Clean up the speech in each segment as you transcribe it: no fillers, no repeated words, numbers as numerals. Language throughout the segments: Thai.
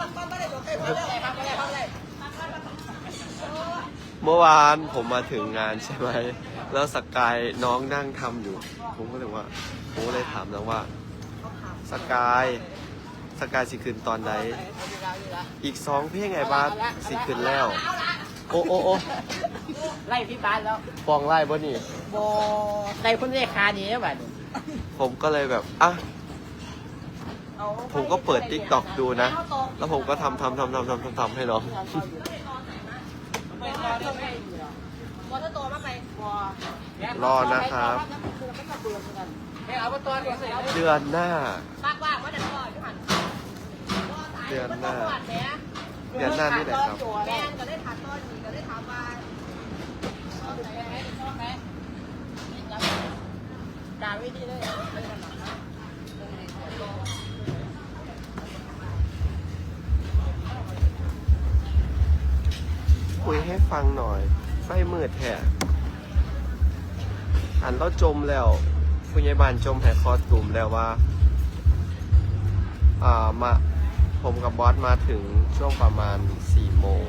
เมื่อวานผมมาถึงงานใช่ไหมแล้วสกายน้องนั่งทำอยู่ผมก็เลยว่าผมเลยถามน้องว่าสกายสิขึ้นตอนไหนอีก2 เพลงไงบ้านสิขึ้นแล้วโอ้ไล่พี่บ้านแล้วฟองไล่บ่นี่โบใส่คนเรียกคานี้แบบผมก็เลยแบบผมก็เปิด TikTok ดูนะแล้วผมก็ทำให้น้องรอนะครับเดือนหน้านี่แหละครับการวิธีเลยคุยให้ฟังหน่อยไฟมืดแท้อันเราจมแล้วผู้ใหญ่บ้านจมให้คอตุ่มแล้วว่ามาผมกับบอสมาถึงช่วงประมาณ4 โมง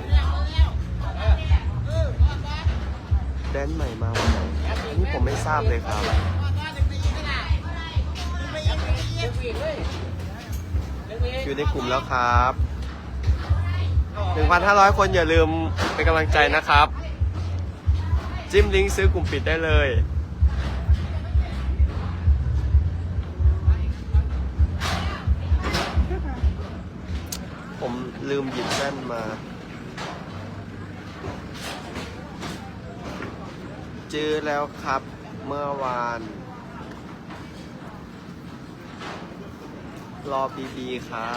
แดนใหม่มาวันไหนนี่ผมไม่ทราบเลยครับอยู่ในกลุ่มแล้วครับ 1,500 คนอย่าลืมเป็นกำลังใจนะครับจิ้มลิงก์ซื้อกลุ่มปิดได้เลยผมลืมหยิบแว่นมาเจอแล้วครับเมื่อวานรอบีค่ะ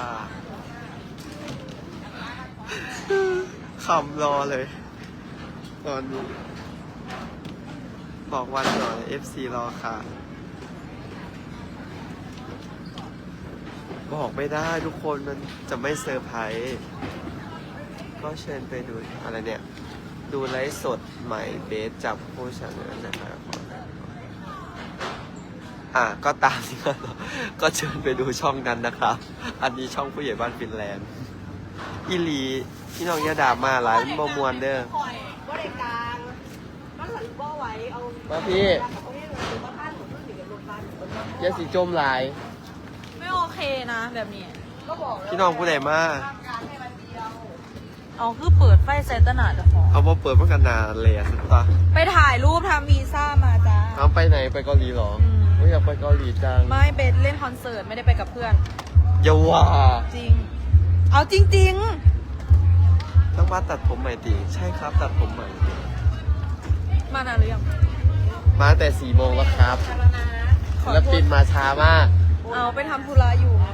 ขำรอเลยตอนนี้บอกวันหน่อย FC รอค่ะบอกไม่ได้ทุกคนมันจะไม่เซอร์ไพรส์ก็เชิญไปดูอะไรเนี่ยดูไลฟ์สดใหม่เบสจับผู้ชนะนะครับก็ตามที่ก็เชิญไปดูช่องนั้นนะครับอันนี้ช่องผู้ใหญ่บ้านฟินแลนด์อีหลีพี่น้องยาดามาหลายบ่มวนเด้อมาพี่ยาสีจมหลายไม่โอเคนะแบบนี้พี่น้องผู้ใดมาเอาคือเปิดไฟเซตนาจะพอเอามาเปิดมากันนานเลยสุดตาไปถ่ายรูปทำวีซ่ามาจ้าเอาไปไหนไปเกาหลีหรอไม่อยากไปเกาหลีจังไม่เบสเล่นคอนเสิร์ตไม่ได้ไปกับเพื่อนอย่าว่าจริงเอาจริงๆต้องมาตัดผมใหม่ตีใช่ครับตัดผมใหม่มานานหรือยังมาแต่4 โมงแล้วครับแล้วปิดมาช้ามากเอาไปทำธุระอยู่ไง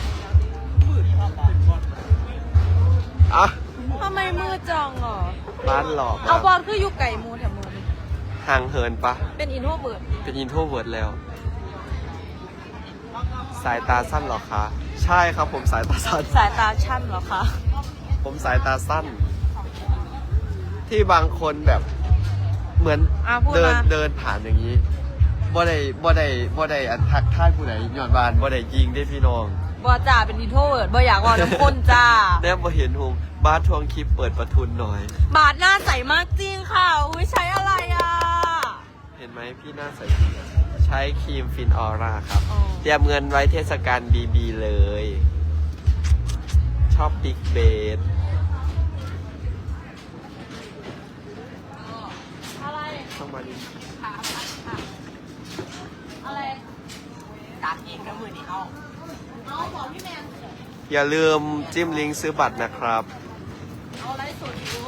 ทำไมมืดจังอ่ะบ้านหลอกเอาบอลคืออยู่ไก่มูแถวมือห่างเหินปะเป็นอินโทรเวิร์ดเป็นอินโทรเวิร์ดแล้วสายตาสั้นหรอคะใช่ครับผมสายตาสั้นสายตาชั้นหรอคะผมสายตาสั้นที่บางคนแบบเหมือนเดินผ่านอย่างนี้บ่ได้อันทักท่ายผู้ไหนหย่อนบานบ่ได้ยิงได้พี่น้องบ่จ่าเป็นอินโทรเวิร์ดบ่อยากว่าน้ำข้นจ้าแน่บ่เห็นหงบาสทวงคลิปเปิดประทุนหน่อยบาสหน้าใสมากจริงค่ะอุ้ยใช้อะไรอ่ะเห็นไหมพี่หน้าใสจริงใช้ครีมฟินออร่าครับเตรียมเงินไว้เทศกาลบีเลยชอบบิ๊กเบสอะไรเข้ามาดิอะไรตัดอีกแล้วมือนี่เอาบอกพี่แมนอย่าลืมจิ้มลิงก์ซื้อบัตรนะครับเอาอะไรสุดรู้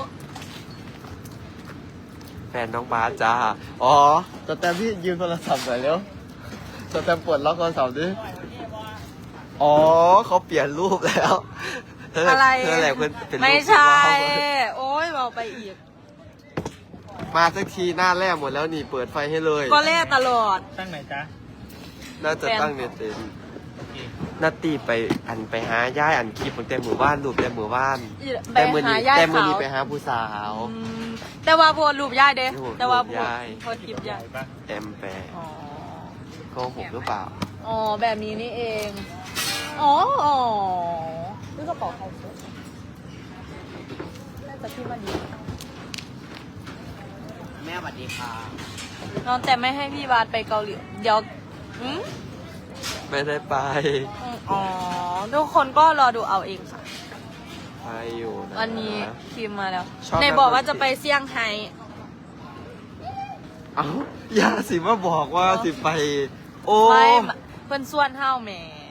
แฟนน้องบาสจ้าอ๋อแต่พี่ยืมโทรศัพท์หน่อยเร็วแต่ปวดล็อกโทรศัพท์ดิอ๋อเขาเปลี่ยนรูปแล้วอะไรอะไรเพื่อนเป็นไม่ใช่โอ้ยบอกไปอีกมาสักทีหน้าแรกหมดแล้วนี่เปิดไฟให้เลยก็แรกตลอดตั้งไหนจ๊ะน่าจะตั้งเน็ตเต็มนาตีไปหาย่ายอันคลิปตั้งแต่หมู่บ้านรูปแต่หมู่บ้านแต่มือนี้ไปหาผู้สาวแต่ว่าโพสรูปย่ายเด้แต่ว่าโพสคลิปย่ายแอมแปร์โกหกหรือเปล่าอ๋อแบบนี้นี่เองอ๋อนี่กระเป๋าใครพี่มาดีแม่สวัสดีค่ะน้องแต่ไม่ให้พี่บาสไปเกาหลีเดี๋ยวอืมไม่ได้ไปอ๋อทุกคนก็รอดูเอาเองค่ะไปอยู่นะวันนี้คิมมาแล้วชอบในบอกว่าจะไปเซี่ยงไฮ้เอ้าอย่าสิมาบอกว่าสิไป โอ้ไม่เพิ่นส่วนเฮาแหม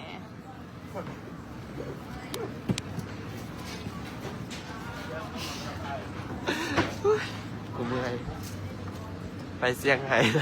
กูเมื่อยไปเซี่ยงไฮ้นะ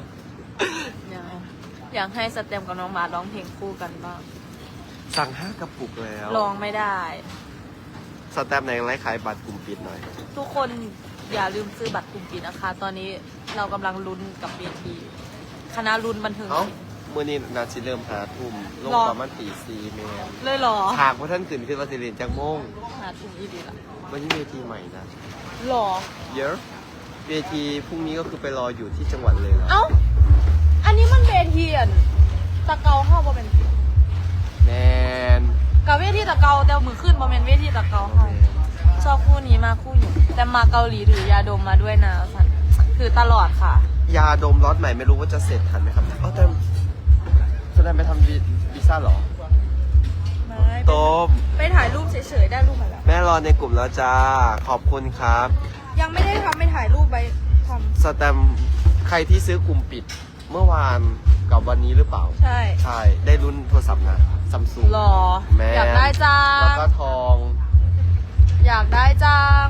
อยากให้สเต็มกับน้องบาสร้องเพลงคู่กันบ้างสั่ง5 กระปุกแล้วร้องไม่ได้สแตมป์ในไลฟ์ขายบัตรกลุ่มปิดหน่อยทุกคนอย่าลืมซื้อบัตรกลุ่มปิดนะคะ ตอนนี้เรากำลังลุ้นกับเวทีคณะลุ้นบันเทิงเอ้าศิลป์มื่อนี้นาสิเริ่ม5 ทุ่มลงรอประมาณตี 4แมนเลยเหรอฉากว่าท่านตื่นขึ้นมาสิเรียนจากโมงหาถุงอีดีละวันนี้เวทีใหม่นะหรอเยอะเวทีพรุ่งนี้ก็คือไปรออยู่ที่จังหวัดเลยนะเอ้า อันนี้มันเวทีอ่ะตะเกาเข้าบ่เป็นแมนกับเวทีตะเกาแต่มือขึ้นบ่เป็นเวทีตะเกาเข้าชอบคู่นี้มากคู่อยู่แต่มาเกาหลีถือยาดมมาด้วยนะสันถือตลอดค่ะยาดมล็อตใหม่ไม่รู้ว่าจะเสร็จทันไหมครับอ๋อแต่แสดงไปทำวีซ่าเหรอ ต้มไปถ่ายรูปเฉยๆได้รูปมาแล้วแม่รอในกลุ่มแล้วจ้า ขอบคุณครับยังไม่ได้ทำไปถ่ายรูปไปทสแตมป์ใครที่ซื้อกลุ่มปิด เมื่อวานกับวันนี้หรือเปล่าำใช่ใช่ ได้รุ่นโทรศัพท์นะซัมซุงหรอแม่อยากได้จัแล้วงก็ทองอยากได้จัง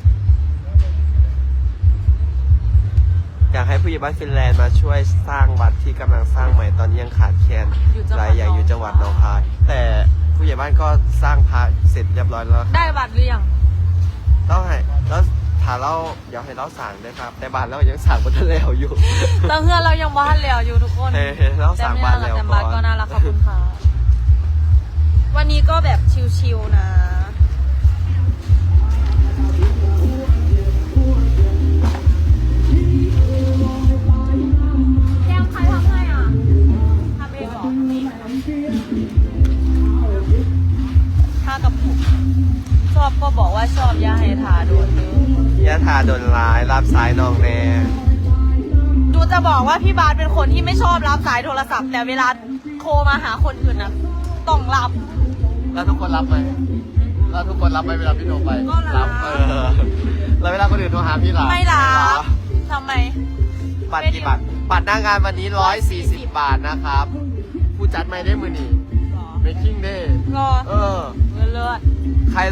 อยากให้ผู้ใหญ่บ้านฟินแลนด์มาช่วยสร้างวัดที่กำลังสร้างใหม่ตอนนี้ยังขาดแคลนรายใหญ่อยู่จังหวัดหนองคาย แต่ผู้ใหญ่บ้านก็สร้างพระเสร็จเรียบร้อยแล้วได้บัตรหรือยังต้องให้แล้วถ้าเราเดี๋ยวให้เราสั่งด้วยครับ แต่บ้านเรายังสั่งบนทะเลอยู่แต่เพื่อนเรายังบ้านแล้วอยู่ทุกคนเฮ้ยเราสั่งบ้านแล้วแต่ก่บ้านอก็นน่ารักขอบคุณค่ะ วันนี้ก็แบบชิลๆนะแก้มใครทำให้อ่ะทำเองเหรอทำเองถ้ากับผมชอบก็บอกว่าชอบอย่าให้ทาโดนเนื้อยะถาโดนร้ายรับสายน้องแน่ดูจะบอกว่าพี่บาสเป็นคนที่ไม่ชอบรับสายโทรศัพท์แต่เวลาโทรมาหาคนอื่นนะต้องรับแล้วทุกคนรับไหมแล้วทุกคนรับไหมเวลาพี่โทรไปก็รับแล้วเวลาคนอื่นโทรหาพี่ล่ะไม่รับทำไมบัตรกี่บาทบัตรหน้างานวันนี้140 บาทนะครับ ผู้จัดไม่ได้มือหนีเมคกิ้งเด้ก็เออเลิศ